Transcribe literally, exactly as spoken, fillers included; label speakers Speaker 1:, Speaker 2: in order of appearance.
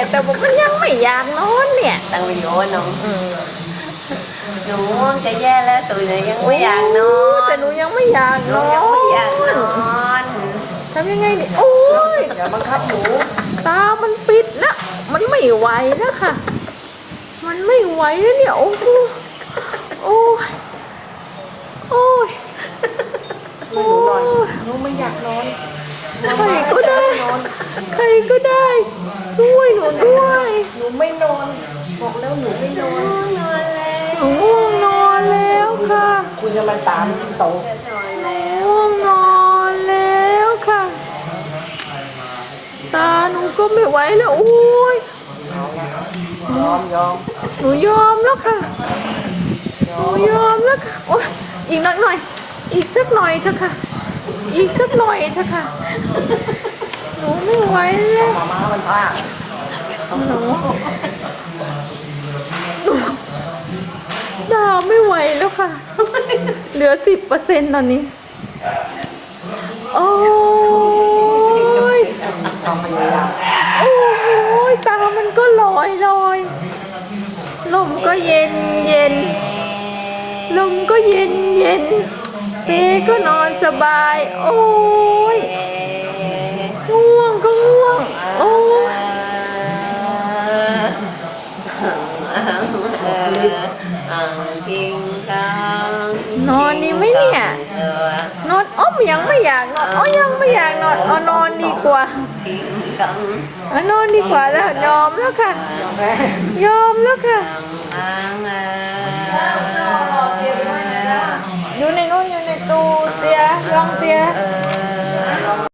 Speaker 1: แต่ว่ามันยังไม่อยากนอนเนี่ย
Speaker 2: ตั้งวิดีโอน้อง
Speaker 1: อืม
Speaker 2: หนูจะแย่แล้วตื่นเลยยังไม่อยากนอน
Speaker 1: แต่หนูยังไม่อยาก
Speaker 2: ห
Speaker 1: น
Speaker 2: นู
Speaker 1: อน
Speaker 2: ยังไม่อยากนอน
Speaker 1: ทำยังไงดิโอ้ย
Speaker 2: อย่าบังคับหนู
Speaker 1: ตามันปิดแล้วมันไม่ไหวแล้วค่ะ มันไม่ไหวแล้วเนี่ยโอ้โหโอ้ยโอ้ย
Speaker 2: หนูนอนหนูไม่อยากนอน
Speaker 1: ใครก็ได้ใครก็ได้ช่วยหนูด้วย
Speaker 2: หนูไม่นอนบอกแล้วหนูไม่นอนนอนแล้ว
Speaker 1: หนูง่วงนอนแล้วค่ะ
Speaker 2: คุณจะมาตามโตนอนแล้ว
Speaker 1: ง่วงนอนแล้วค่ะ ตาหนูก็ไม่ไหวแล้วโอ้ย
Speaker 2: ยอมยอม
Speaker 1: หนูยอมแล้วค่ะหนูยอมแล้วค่ะโอ้ยอีกหน่อยหน่อย อีกสักหน่อยเถอะค่ะ อีกสักหน่อยเถอะค่ะ หนูไม่ไหวแล้ว
Speaker 2: มาม่ามันพลาด
Speaker 1: หนูหนูดาวไม่ไหวแล้วค่ะ เหลือสิบเปอร์เซ็นต์ตอนนี้ โอ้ย
Speaker 2: ความพยายาม
Speaker 1: โอ้ยตามันก็ลอยลอยลมก็เย็นเย็นลมก็เย็นเย็นเปก็นอนสบาย โอ้ยง่วงก็ง่วง โอ้ยนอนดีไหมเนี่ย นอนอ้อมยังไม่อยากนอนอ๋อยังไม่อยากนอนอ๋อนอนดีกว่าอ๋อนอนดีกว่าแล้วยอมแล้วค่ะ ยอมแล้วค่ะ อยู่ในนู้นอยู่ในตู้เตียยองเตีย